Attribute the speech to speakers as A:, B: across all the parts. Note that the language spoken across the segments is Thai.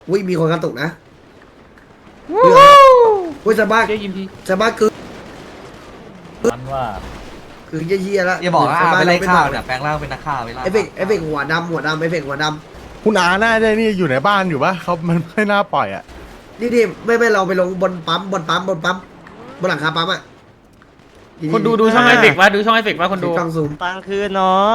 A: อุ้ยมีคนกระตุกนะอุ้ยสบายสบายคือ
B: มันว่า
A: คือเยี่ยๆแล้ว
C: อย่าบอกว่า
A: ส
C: ไปไล่
A: ม่
C: ข้าว
A: ม่
C: เนี่ยแปลงร่างเป็นนักข่าวไปล่า
A: เอฟเฟกต์หัวดำเอฟเฟกต์หัวด
D: คุณอาน่าจะนี่อยู่ในบ้านอยู่ปะเขามันไม่น่าปล่อยอ่ะ
A: ำนี่ไม่เราไปลงบนปั๊มบนหลังคาปั๊มอ่ะ
E: คนดูช่องไอเฟกว่าดูช่องไอเฟกว่าคนดู
A: กล้องซูม
B: ตังคือน้อง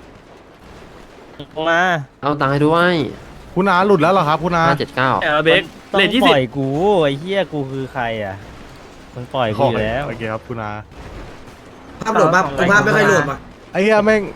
B: มา
F: เอาตังค์ให้ด้วย
D: คุณอาหลุดแล้วเหรอครับคุณอา
F: 579
E: เบรก
B: ต้องปล่อยกูไอ้เหี้ยกูคือใครอ่ะมึงปล่อยกูอยู่แล้ว
D: โอเคครับคุณอา
A: ภาพโหลดภาพไม่ค่อยโหลดว่ะ
D: ไอ้เหี้ยแม่ง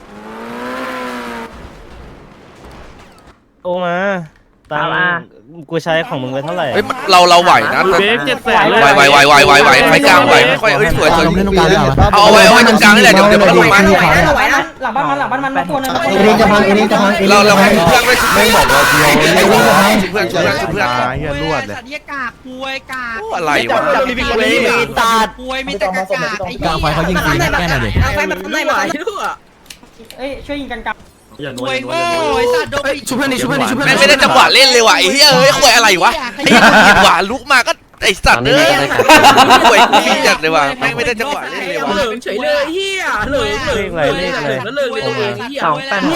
B: โอ้มาตังกูใช้ของมึงไปเท่าไหร่
G: เฮ้ยเราไหวนะ
E: เบรก700,000เลย
G: ไหวไฟกลางไหวค่อยสวยเอาไว้ตรงกลางนี่แหละเดี๋ยวมันลงมา
H: ไหวนะหลังบ้านมันมาตัวนึง
A: เอลิงจะพัง
G: เราให้เพื่อนไปชุบ
D: แม่งบอกเราเดียว
G: เพื่อน
D: เหี้ยรวดเลย
H: สัตว์เหี้ยกากป่วยกาก
G: อะไรวะ
H: มีตาป่วยมีแต่กากไอ้กลางไฟเขายิงตีแค่ไหนดิกลางไฟมันทำได้ไหมเอ้ยช่วยยิงกันกลางป่วยโง่ไอ้สัตว์โดนชุบเพื่อนดิชุบเพื่อนดิชุบเพื่อน
G: แม่งไม่ได้จังหวะเล่นเลยว่ะไอ้เฮ้ยคุยอะไรวะไอ้เหี้ยผิดหวาลุกมาก็ไอ้สัตว์เอ้ยคุยกูจัดเลยว่ะแม่งไม่ได้จังหวะเล่นเลยว่ะ
H: เหลืองเฉยเลยเฮียเหลือง
B: เลขอะไรเลขอะไร
H: แล้วเลยตัวเองเฮีย
C: หัว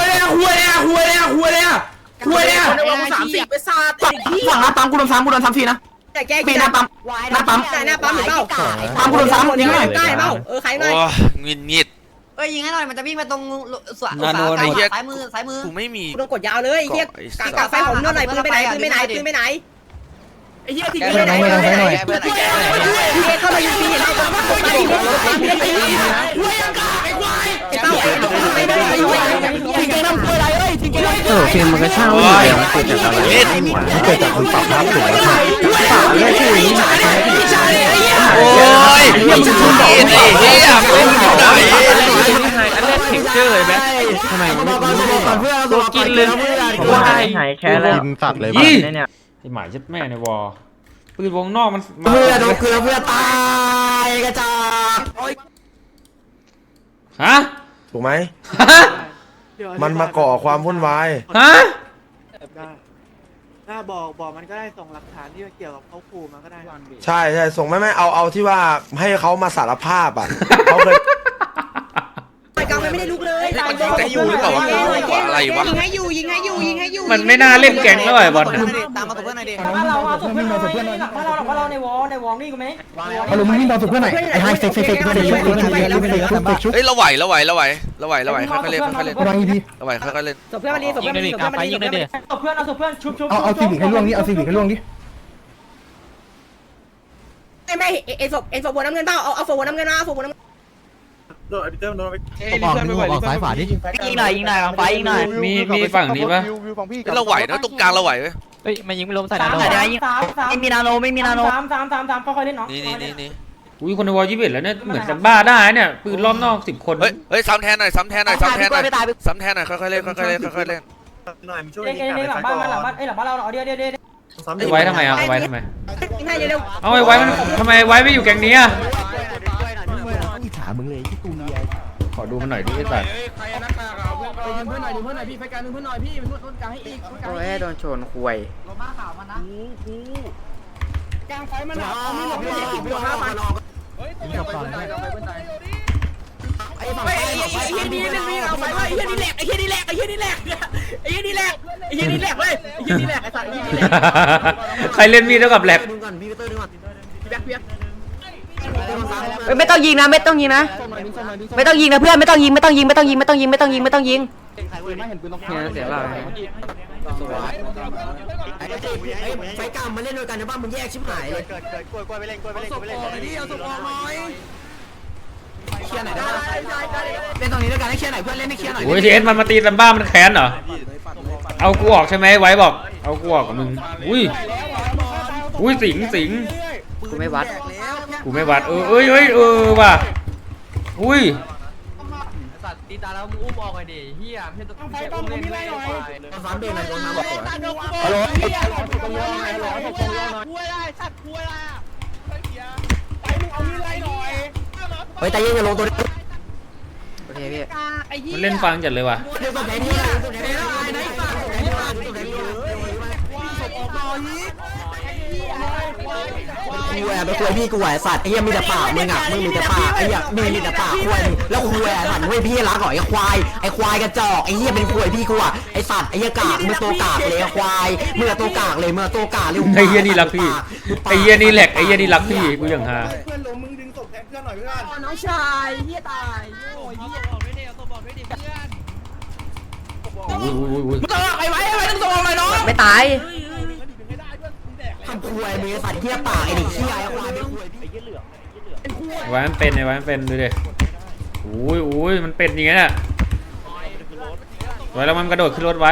C: เลย
H: ในวัน30ไปซาดไอ้เฮีย
C: ฝั่งหน้าปั๊มกูโดนซ้ำทีนะ
H: แต่แกกินหน้าปั๊มหน้าปั๊มหรือเปล่า
C: ปั๊มกูโดนซ้ำ
H: ยิงหน่อยใกล้เปล่าใครหน่อย
G: โอ้งิด
I: เอ้ยยิงให้หน่อยมันจะวิ่งไปตรงสวน
G: นาโนไอ้เหี้ย
I: ซ้ายมือ
G: กูไม่มี
H: กูโดนกดยาวเลยเฮียกากไฟผมโดนไหนปืนไปไหนไอ้เฮียทิ้งไปไหนเข้ามายิงปีเราต้องกดไปไอ้เต้าไอ้ได้ทิ้งแกน้ำป่วยอะไรเอ้ยทิ้งแกน้ำป่วย
F: เกมมันก็ช่างอยู่แล้วมันเกิดจากอะไร
G: เล่น
D: มันเกิดจากคนปรับภาพถูกไหมครับ
G: โอ้ยมึงชุบไอ้เหี้ยมึงอยู่ไหน
E: อันแรกเทคเจอร์เลยไหม
F: ทำไมมัน
E: ตัวกินเลยว่าหายแค่แล้ว
D: กินสัตว์เลย
E: ยี่
D: บ้า
E: ไอหมายยัดแม่ในวอปืนวงนอกมัน
C: เพื่อนโดนเกลือเพื่อตายกระจอก
E: ฮะ
J: ถูกไหม
E: ฮะ
J: มันมาก่อความวุ่นวาย
E: ฮะ
H: ถ้าบอกมันก็ได้ส่งหลักฐานที่เกี่ยวกับเขาขู่มาก็ได้
J: ใช่ส่งไม่เอาที่ว่าให้เขามาสารภาพอ่ะ เขาเคย
H: กลางไม่ได้ลุกเลย
G: มันยิงแต่อยู่หรือเปล่าวะอะไรวะ
H: ยิงให้อยู่
E: มันไม่น่าเล่นแก๊งแล้วไอ้บอล
I: ตามมาตัวเพื่อนหน่อยดิ
H: บ้านเราส่งเพื่อนมาบ้านเราในวอลนี่กูไหม
A: ฮัลโหลมึงวิ่งตามสุดเพื่อนหน่อยไอ้ไฮเฟกเพื่อนชุบชุบ
G: เฮ้ยเราไหวค่อยๆเล่นค่อยๆเล่นเราไหวค่อยๆเล่น
H: ส่งเพื่อนมาดีส่งเพื่อนมาดีส่งเพื่อนมาดีส่งเพื่อนเอาส่งเพื่อนชุบ
A: เอาซีวิกให้ล่วงนี่เอาซีวิกให้ล่วงนี่
H: ไม่เอ็นศพบัวน้ำเงินเปล่าเอาศพบัวน้ำเงินมาศพบัวน้ำเงิน
C: ออกซ้ายฝาดิยิงหน่อยกลางไฟยิงหน่อย
E: มีฝั่งนี้ปะ
G: เราไหวนะตรงกลางเราไหวไหม
C: เฮ้ยมันยิงไม่ล้มใส่
H: สาม
C: นาโนไม่มีนาโน
H: ค่อยๆเล่นเนาะ
G: นี่
E: อุ้ยคนในวอ21แล้วเนี่ยเหมือนจะบ้าได้เนี่ยปืนล้อมนอก10 คน
G: เฮ้ยซ้ำแทนหน่อยค่อยๆเล่นค่อยๆเล่น
H: เล่นหลังบ้านหลังบ้านเราเดี๋ยว
E: ไว้ทำไมเอาไว้ทำไม
H: ให้เร็ว
E: เอาไว้มันทำไมไว้ไม่อยู่แก๊งนี้อะ
C: อิจฉามึงเลยที่ตูเมีย
E: ขอดูมันหน่อยดิไอ้สัตว์
H: เพื่อนหน่อยพี่ไฟการเพื่อนหน่อยพี่มันต้นกลางให้อีก
F: โอ้ยโดนชนคุย
H: กลางไฟมันมีหลบพี่5,000ไอ้เฮียนี่เล่นมีเอาไฟว่าไอ้เฮียนี่แหลกไอ้เฮียนี่แหลกไอ้เฮียนี่แหลกไอ้เฮียนี่แหลกไอ้เฮียนี่แหลกเว้ยไอ้เฮียนี่แหลกไอ้สัตว์ไอ้เฮียนี่แหลก
E: ใครเล่นมีดเท่ากับแหลก
H: เปียก
I: ไม่ต้องยิงนะไม่ต้องยิงนะไม่ต้องยิงนะเพื่อนไม่ต้องยิง
F: เสียเรา
C: ไฟกลางมาเล่นด้วยกันนะบ้านมึงแยกชิบหายเลยเคลียร์ไหนได้เล่นตรงนี้ด้วยกันให้เคลียร์ไหนเพื่อนเล่นให้เคลียร์หน่อย
E: โอ้ยทีเอสมันมาตีซัมบ้ามันแค้นเหรอเอากูออกใช่ไหมไว้บอกเอากูออกกับมึงอุ้ยสิง
F: กูไม่วัด
E: เอ้ยว่ะอุ้ย
C: สัตว์ตีตาแล้วมึงอุ้มออกไปดิเฮียเพื่อนต้องไฟต้องมีอะไรหน่อยฟ้าเบรนโดนน้ำบอกก่อนฮัลโหลเฮ้ยแต่ยังอย่าลงตัวนี้
F: โอเคพี่
E: มันเล่นฟังจัดเลยว่ะ
C: เดี๋ยวตัวไหนที่ตัวไหน
H: คุยไปคุยพี่กูไหวสัตว์ไอ้เหี้ยมีแต่ปากมึงอ่ะมึงมีแต่ปากไอ้เหี้ยมีแต่ปากคุยแล้วคุยสัตว์เว้ยพี่รักหน่อยไอ้ควายกระจอกไอ้เหี้ยเป็นคุยพี่กูอ่ะไอ้สัตว์ไอ้เหี้ยกากมึงตัวกากเลยควายมึงตัวกากเลยมึงตัวกากเลย
E: ไอ้เหี้ยนี่รักพี่ไอ้เหี้ยนี่แหลกไอ้เหี้ยนี่รักพี่กูอย่างฮา
D: เพื่อนล้มมึงดึงศพแทนเพื่อนหน่อยเพื่อน
H: น้องชายเหี้ยตายโอ้ยเหี้ย
E: อุ้ย
H: ไอ้ไว้ต้องส่งอะไรน้อง
F: ไม่ตาย
H: ทำคุยมึงสัตว์เหี้ยปากไอ้เด็กเหี้ยไอ้ควายเป็นคุยพี่
E: ไอ้ไว้มันเป็นไอ้ไว้มันเป็นดูดิอุ้ยมันเป็นอย่างเงี้ยน่ะไว้แล้วมันกระโดดขึ้นรถไว้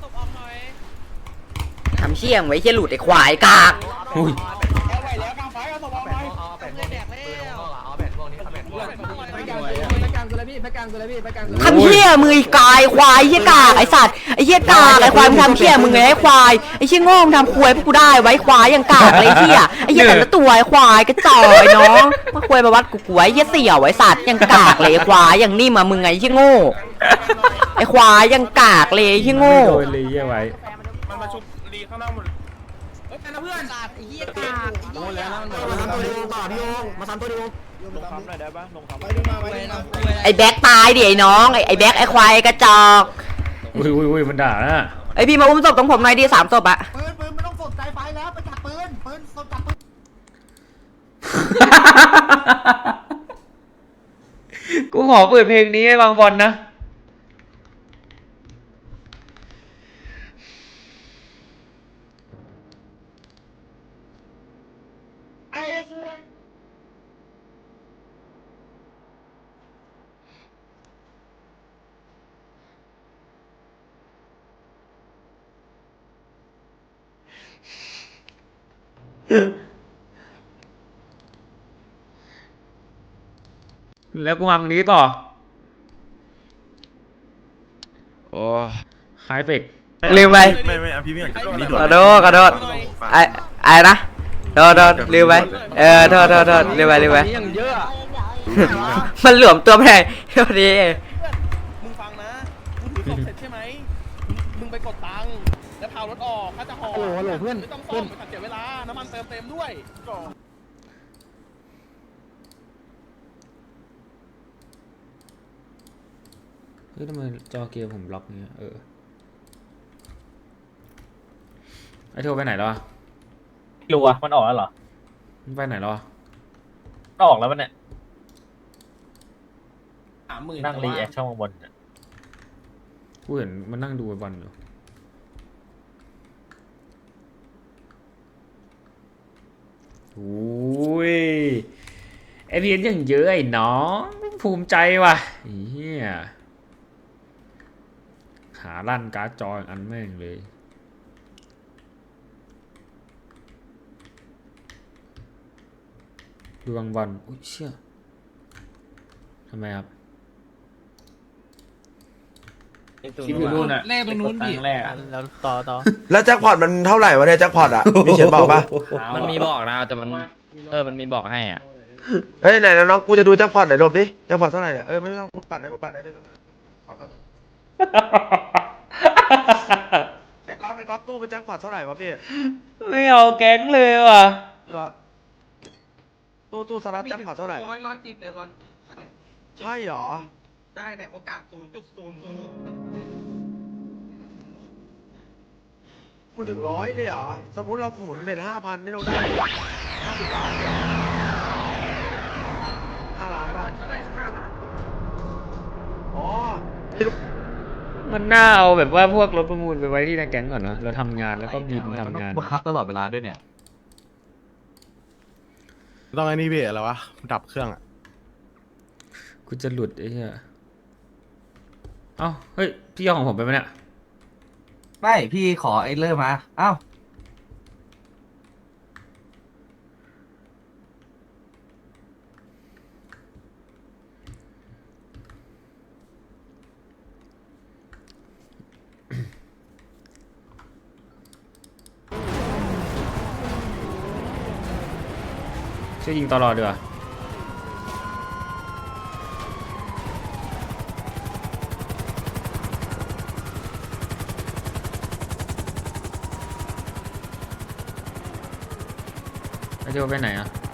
F: ทำเชี่ยงไว้เชี่ยหลุดไอ้ควายกาก
E: อุ้ย
F: ทำเชี่ยมือไอ้กายควายเชี่ยกากไอ้สัตว์ไอ้เชี่ยกากไอ้ควายมึงทำเชี่ยมึงไงไอ้ควายไอ้เชี่ยโง่มึงทำควายพวกกูได้ไว้ควายอย่างกากเลยไอ้เชี่ยไอ้เชี่ยแต่ละตัวไอ้ควายกระจอกไอ้น้องมาควายมาวัดกูไอ้เชี่ยเสี่ยวไอ้สัตว์อย่างกากเลยไอ้ควายอย่างนิ่มอะมึงไงไอ้เชี่ยโง่ไอ้ควายอย่างกากเลยไอ้เชี่ยโง่
E: โดนเลยเหี้ยไว้
D: มันมาชุบรีข้างหน้าหมด
H: มาซ้ำตัวดีต่อพี่โยงมาซ้ำตัวดี
F: ไอ้แบ็คตายดิไอ้น้องไอ้แบ็คไอ้ควายกระจอก
E: อุ้ยมันด่านะ
F: ไอ้พี่มาอุ้มศพตรงผมหน่อยดิ3 ศพอะ
H: ปืนไม่ต้องสนใจไฟแล้วไปจับปืนจับปืน
E: กูขอเปิดเพลงนี้ให้บางบอลนะแล้วกูวางนี้ต่อ
G: โอ้
E: ไฮเฟก
F: ลืมไป
D: ไม่เอาพี่ไม่นี่
F: ขอโทษไอ้นะโทษลืมไปโทษลืมไปมันหลวมตัวไปไหนโทษดี
D: มึงฟังนะมึงถือศพเสร็จใช่ไหมมึงไปกดตังค์แล้วพารถออกถ้าจะห่อโหลเพื่อนไม่ต้องซ่อมไม่ต้องเสียเวลาน้ำมันเติมด้วยก่อน
E: เฮ้ยทำไมจอเกมผมล็อกเงี้ยไอโทรไปไหนแล้วอะ
B: รู้อะมันออกแล้วเหรอ
E: มันไปไหนแล้วอะ
B: ออกแล้วมันเนี่ยนั่งรีแอคช่องบนเนี่ย
E: กูเห็นมันนั่งดูบอลอยู่อุ้ยไอพีเอ็นยังเยอะไอ้น้องภูมิใจว่ะเฮียขาลั่นการ์ดจออันแม่งเลยดูบางบอลอุ้ยเชี่ยทำไมครับคลิปอยู่นู่นอะแรกตรงนู้นดิแรกแล้วต่อ
J: แล้วแจ็คพอตมันเท่าไหร่วะเนี่ยแจ็คพอตอ่ะมีเขียนบอกปะ
B: มันมีบอกนะแต่มันมันมีบอกให้อ่ะ
J: เฮ้ยไหนน้องกูจะดูแจ็คพอตไหนลบดิแจ็คพอตเท่าไหร่เนี่ยไม่ต้องปัดได้ปัดได้ไอ้ก๊อฟตู้เป็นแจ็คพอตเท่าไหร่วะพี่
E: ไม่เอาแก๊งเลยว่ะ
J: ตู้สลัดแจ็คพอตเท่าไหร่
H: ติดเลยก่อน
J: ใช่หรอ
H: ได้แต่โอกาส0.00
J: กูถึง100เลยเหรอสมมติเราหมุนเป็น5,000นี่เราได้50 ล้าน5 ล้านบาทอ๋อ
E: มันน่าเอาแบบว่าพวกรถประมูลไปไว้ที่ในแก๊งก่อนนะเราทำงานแล้วก็บินทำงาน
C: บังคับตลอดเวลาด้วยเนี่ย
D: ต้องไอ้นี่พี่อะไรวะดับเครื่องอ่ะ
E: กูจะหลุดไอ้เหี้ยเอ้าเฮ้ยพี่เอาของผมไปไหมเนี่ย
C: ไม่พี่ขอไอ้เริ่มมาอ้าว
E: ช่วยยิงตลอดดีกว่าไอโจไปไหนอ่ะ